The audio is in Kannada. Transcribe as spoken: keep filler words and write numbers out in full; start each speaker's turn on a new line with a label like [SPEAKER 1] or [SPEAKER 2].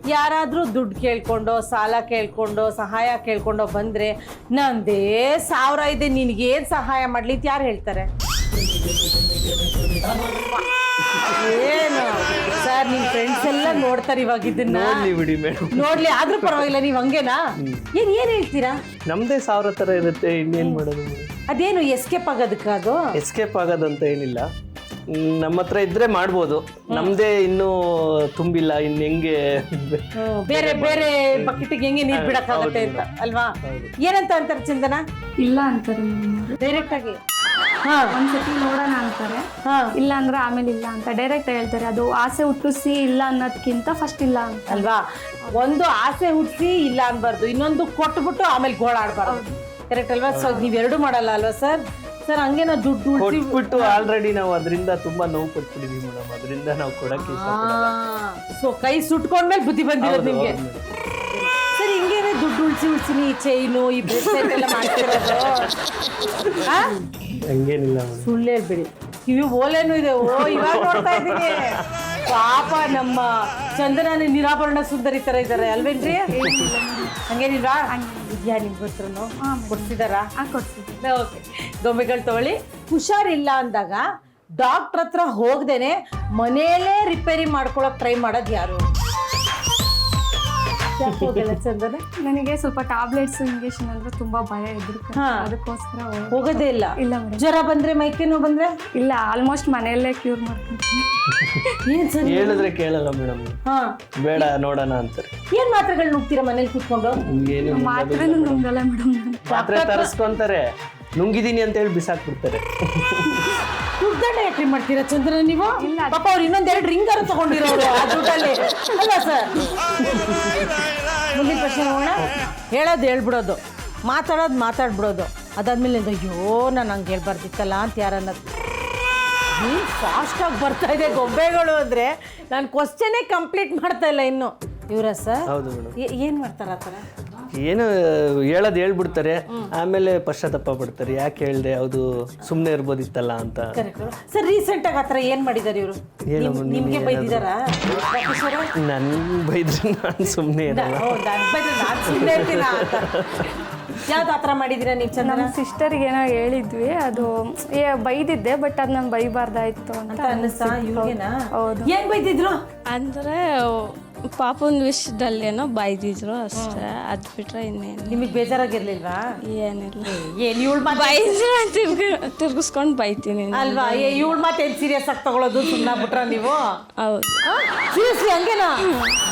[SPEAKER 1] ಯಾರಾದ್ರೂ ದುಡ್ಡು ಕೇಳ್ಕೊಂಡು ಸಾಲ ಕೇಳ್ಕೊಂಡು ಸಹಾಯ ಕೇಳ್ಕೊಂಡು ಬಂದ್ರೆ ನಂದೇ ಸಾವಿರ ಇದೆ ನಿನಗೇನು ಸಹಾಯ ಮಾಡ್ಲಿ ಅಂತ ಯಾರು ಹೇಳ್ತಾರೆ? ಏನು ಸರ್ ನಿಮ್ ಫ್ರೆಂಡ್ಸ್ ಎಲ್ಲ ನೋಡ್ತಾರೆ ಇವಾಗ ಇದನ್ನ.
[SPEAKER 2] ಬಿಡಿ ಮೇಡಮ್,
[SPEAKER 1] ನೋಡ್ಲಿ ಆದ್ರೂ ಪರವಾಗಿಲ್ಲ. ನೀವ್ ಹಂಗೇನಾ? ಏನ್ ಏನ್ ಹೇಳ್ತೀರಾ?
[SPEAKER 2] ನಮ್ದೇ ಸಾವಿರ ತರ ಇರುತ್ತೆ, ಇನ್ನೇನ್ ಮಾಡೋದು?
[SPEAKER 1] ಅದೇನು ಎಸ್ಕೇಪ್ ಆಗೋದಕ್ಕ? ಅದು
[SPEAKER 2] ಎಸ್ಕೇಪ್ ಆಗೋದಂತ ಏನಿಲ್ಲ, ನಮ್ಮ ಹತ್ರ ಇದ್ರೆ ಮಾಡ್ಬೋದು. ನಮ್ದೇ ಇನ್ನೂ ತುಂಬಿಲ್ಲ, ಇನ್ ಹೆಂಗೆ
[SPEAKER 1] ಬೇರೆ ಬೇರೆ ಬಕೆಟ್ಗೆ ಹೆಂಗೆ ನೀರ್ ಬಿಡಕ್ಕಾಗತ್ತೆ ಅಂತ ಅಲ್ವಾ? ಏನಂತ ಅಂತಾರೆ ಚಂದನ?
[SPEAKER 3] ಇಲ್ಲ ಅಂತಾರೆ
[SPEAKER 1] ಡೈರೆಕ್ಟ್ ಆಗಿ.
[SPEAKER 3] ಒಂದ್ಸತಿ ನೋಡೋಣ ಅಂತಾರೆ, ಇಲ್ಲ ಅಂದ್ರೆ ಆಮೇಲೆ ಇಲ್ಲ ಅಂತ ಡೈರೆಕ್ಟ್ ಹೇಳ್ತಾರೆ. ಅದು ಆಸೆ ಹುಟ್ಟಿಸಿ ಇಲ್ಲ ಅನ್ನೋದಕ್ಕಿಂತ ಫಸ್ಟ್ ಇಲ್ಲ ಅಂತ
[SPEAKER 1] ಅಲ್ವಾ? ಒಂದು ಆಸೆ ಹುಟ್ಟಿಸಿ ಇಲ್ಲ ಅನ್ಬಾರ್ದು, ಇನ್ನೊಂದು ಕೊಟ್ಬಿಟ್ಟು ಆಮೇಲೆ ಗೋಳಾಡ್ಬಾರ್ದು. ಕರೆಕ್ಟ್ ಅಲ್ವಾ? ಸೊ ನೀವೆರಡು ಮಾಡಲ್ಲ ಅಲ್ವಾ ಸರ್? ಸರ್ ಹಂಗೆ ನಾವು ದುಡ್ಡು
[SPEAKER 2] ಕೊಟ್ಬಿಟ್ಟು ಆಲ್ರೆಡಿ ನಾವು ಅದರಿಂದ ತುಂಬಾ ನೋವು ಪಟ್ಬಿಟ್ಟಿದೀವಿ ಮೇಡಮ್, ಅದರಿಂದ ನಾವು ಕೊಡಕ್ಕೆ ಇಷ್ಟಪಡಲ್ಲ.
[SPEAKER 1] ಸೊ ಕೈ ಸುಟ್ಕೊಂಡ್ಮೇಲೆ ಬುದ್ಧಿ ಬಂದಿರೋದು ನಿಮ್ಗೆ. ಸರ್ ಹಿಂಗೇನೆ ದುಡ್ಡು ಉಳಿಸಿ ಉಳಿಸಿನಿ ಈ ಚೈನು ಈ ಬ್ರೇಸ್ಲೆಟ್ ಎಲ್ಲ ಮಾಡ್ತಿರೋದು?
[SPEAKER 2] ಹಂಗೇನಿಲ್ಲ
[SPEAKER 1] ಸುಳ್ಳು ಹೇಳ್ಬೇಡಿ. ಕಿವಿ ಓಲೇನು ಇದೆ. ಓ ಇವಾಗ ನೋಡ್ತಾ ಇದ್ದೀನಿ. ಪಾಪ ನಮ್ಮ ಚಂದನ ನಿರಾಭರಣ ಸುಂದರಿ ತರ ಇದಾರೆ ಅಲ್ವೇನ್ರಿ? ಹಂಗೇನಿಲ್ವಾ? ಇದ್ಯಾ ನಿಮ್ಗೆ ಹತ್ರನು ಕೊಡ್ಸಿದಾರಾ? ಕೊಡ್ಸಿದ್ದೆ. ಓಕೆ, ಗೊಂಬೆಗಳು ತಗೊಳ್ಳಿ. ಹುಷಾರಿಲ್ಲ ಅಂದಾಗ ಡಾಕ್ಟ್ರ್ ಹತ್ರ ಹೋಗ್ದೇನೆ ಮನೆಯಲ್ಲೇ ರಿಪೇರಿ ಮಾಡ್ಕೊಳಕ್ ಟ್ರೈ ಮಾಡೋದು ಯಾರು? ಚಂದನ
[SPEAKER 3] ನನಗೆ ಸ್ವಲ್ಪ ಟ್ಯಾಬ್ಲೆಟ್ಸ್ ಇಂಜೆಕ್ಷನ್ ಅಂದ್ರೆ ತುಂಬಾ ಭಯ ಇದ್ರು, ಅದಕ್ಕೋಸ್ಕರ
[SPEAKER 1] ಹೋಗೋದೇ ಇಲ್ಲ.
[SPEAKER 3] ಇಲ್ಲ ಮೇಡಮ್.
[SPEAKER 1] ಜ್ವರ ಬಂದ್ರೆ ಮೈಕೈ ನೋವು ಬಂದ್ರೆ
[SPEAKER 3] ಇಲ್ಲ, ಆಲ್ಮೋಸ್ಟ್ ಮನೆಯಲ್ಲೇ ಕ್ಯೂರ್ ಮಾಡ್ಕೊಂತೀನಿ.
[SPEAKER 1] ಏನ್ ಸರ್
[SPEAKER 2] ಹೇಳಿದ್ರೆ ಕೇಳಲ್ಲ ಮೇಡಮ್,
[SPEAKER 1] ಹಾ
[SPEAKER 2] ಬೇಡ ನೋಡೋಣ ಅಂತಾರೆ.
[SPEAKER 1] ಏನ್ ಮಾತ್ರೆಗಳು ನುಗ್ತೀರಾ ಮನೇಲಿ ಕೂತ್ಕೊಂಡು?
[SPEAKER 3] ಮಾತ್ರೆ ನುಂಗಲ್ಲ ಮೇಡಮ್.
[SPEAKER 2] ಮಾತ್ರೆ ತರಿಸ್ಕೊಂತಾರೆ, ನುಂಗಿದೀನಿ ಅಂತ ಹೇಳಿ ಬಿಸಾಕ್ಬಿಡ್ತಾರೆ.
[SPEAKER 1] ದುಡ್ಡನ್ನ ಯಾಕ್ರಿ ಮಾಡ್ತೀರಾ ಚಂದ್ರ ನೀವು? ಪಾಪ ಅವ್ರು ಇನ್ನೊಂದೆರಡು ರಿಂಗರು ತಗೊಂಡಿರೋರು ಆ ದುಡ್ಡಲ್ಲಿ ಅಲ್ಲ ಸರ್? ಮುಂದಿನ ಪ್ರಶ್ನೆ ನೋಡೋಣ. ಹೇಳೋದು ಹೇಳ್ಬಿಡೋದು, ಮಾತಾಡೋದು ಮಾತಾಡ್ಬಿಡೋದು, ಅದಾದ್ಮೇಲೆ ಅಯ್ಯೋ ನಾನು ಹಂಗೆ ಹೇಳ್ಬಾರ್ದಿತ್ತಲ್ಲ ಅಂತ ಯಾರನ್ನೋದು. ನೀವು ಫಾಸ್ಟಾಗಿ ಬರ್ತಾ ಇದೆ ಗೊಂಬೆಗಳು ಅಂದರೆ ನಾನು ಕ್ವಶನೇ ಕಂಪ್ಲೀಟ್ ಮಾಡ್ತಾ ಇಲ್ಲ ಇನ್ನು. ಇವರ ಸರ್?
[SPEAKER 2] ಹೌದು ಮೇಡಮ್.
[SPEAKER 1] ಏನು ಮಾಡ್ತಾರೆ ಆ ಥರ?
[SPEAKER 2] ಏನು ಹೇಳೋದು ಹೇಳ್ಬಿಡ್ತಾರೆ, ಆಮೇಲೆ ಪಶ್ಚಾತ್ತಾಪ ಪಡ್ತಾರೆ, ಯಾಕೆ ಹೇಳ್ದೆ, ಅದು ಸುಮ್ಮನೆ ಇರ್ಬೋದಿತ್ತಲ್ಲ ಅಂತ.
[SPEAKER 1] ಸರ್ ರೀಸೆಂಟಾಗಿ ಆ ಥರ ಏನು ಮಾಡಿದ್ದಾರೆ ಇವರು? ನಿಮಗೆ ಬೈದಿದ್ದಾರಾ?
[SPEAKER 2] ನನ್ ಬೈದ್ರೆ ನಾನು ಸುಮ್ಮನೆ ಇರಲ್ಲ.
[SPEAKER 1] ನಾನು ಸುಮ್ಮನೆ ಇರ್ತೀನ ಅಂತ. ಯಾವ್ದು ಆ ಥರ ಮಾಡಿದ್ದೀರಾ ನೀವು? ಚಂದ
[SPEAKER 3] ನಮ್ಮ ಸಿಸ್ಟರ್ಗೆ ಏನೋ ಹೇಳಿದ್ವಿ, ಅದು ಏ ಬೈದಿದ್ದೆ, ಬಟ್ ಅದು ನಂಗೆ ಬೈಬಾರ್ದಾಯ್ತು ಅಂತ
[SPEAKER 1] ಅನ್ನಿಸ್ತಾ ಇವ್ರಿಗೇನಾ?
[SPEAKER 3] ಹೌದು.
[SPEAKER 1] ಏನು ಬೈದಿದ್ರು
[SPEAKER 4] ಅಂದರೆ ಪಾಪನ ವಿಷಯದಲ್ಲೇನೋ ಬೈದಿದ್ರು ಅಷ್ಟೇ, ಅದು ಬಿಟ್ರೆ ಇನ್ನೇನು.
[SPEAKER 1] ನಿಮಗೆ ಬೇಜಾರಾಗಿರ್ಲಿಲ್ವಾ?
[SPEAKER 4] ಏನಿಲ್ಲ,
[SPEAKER 1] ಏನು ಇವಳು
[SPEAKER 4] ಬೈದ್ರೆ ತಿರ್ಗಿ ತಿರ್ಗಿಸ್ಕೊಂಡು ಬೈತೀನಿ
[SPEAKER 1] ಅಲ್ವಾ? ಇವಳು ಮಾತು ಏನು ಸೀರಿಯಸ್ ಆಗಿ ತಗೊಳ್ಳೋದು? ಸುಮ್ಮನೆ ಬಿಟ್ರ ನೀವು?
[SPEAKER 4] ಹೌದು.
[SPEAKER 1] ಸೀರಿಯಸ್ಲಿ ಹಂಗೇನಾ?